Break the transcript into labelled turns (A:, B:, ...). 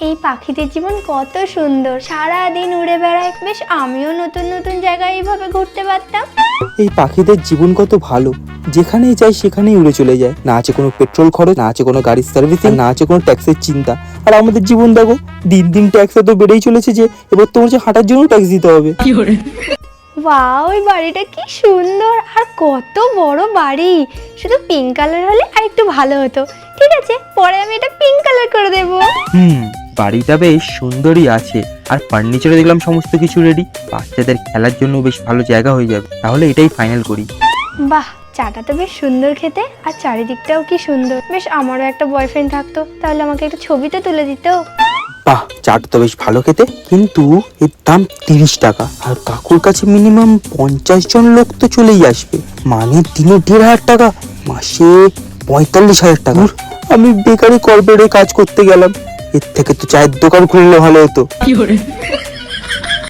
A: এই পাখিদের জীবন কত সুন্দর, সারা দিন উড়ে বেড়ায়। বেশ আমিও নতুন নতুন জায়গায় এইভাবে ঘুরতে পারতাম।
B: এই পাখিদের জীবন কত ভালো, যেখানেই যায় সেখানেই উড়ে চলে যায়। না আছে কোনো পেট্রোল খরচ, না আছে কোনো গাড়ির সার্ভিসিং, না আছে কোনো ট্যাক্সের চিন্তা। আর আমাদের জীবন দেখো, দিন দিন ট্যাক্স এত বেড়েই চলেছে যে এবার তোমার যে হাঁটার জন্য ট্যাক্স দিতে হবে।
A: ওয়াও, ওই বাড়িটা কি সুন্দর আর কত বড় বাড়ি। শুধু পিঙ্ক কালার হলে আর একটু ভালো হতো। ঠিক আছে, পরে আমি এটা পিঙ্ক কালার করে দেবো।
B: বাড়িটা বেশ সুন্দরই আছে, আর ফার্নিচারে দেখলাম সমস্ত কিছু রেডি। বাচ্চাদের খেলার জন্য বেশ ভালো জায়গা হয়ে যাবে। তাহলে এটাই ফাইনাল করি।
A: বাহ, চাটা তো বেশ সুন্দর খেতে, আর চারিদিকটাও কি সুন্দর। বেশ আমারও একটা বয়ফ্রেন্ড থাকতো, তাহলে আমাকে একটা ছবি তো তুলে দিত।
B: বাহ, চাট তো বেশ ভালো খেতে, কিন্তু এর দাম 30 টাকা। আর কাকুর কাছে মিনিমাম 50 জন লোক তো চলেই আসবে, মানে দিনে 1,500 টাকা, মাসে 45,000 টাকা। আমি বেকারি কর্পোরেটে কাজ করতে গেলাম, এর থেকে তো চায়ের দোকান খুললে ভালো হতো।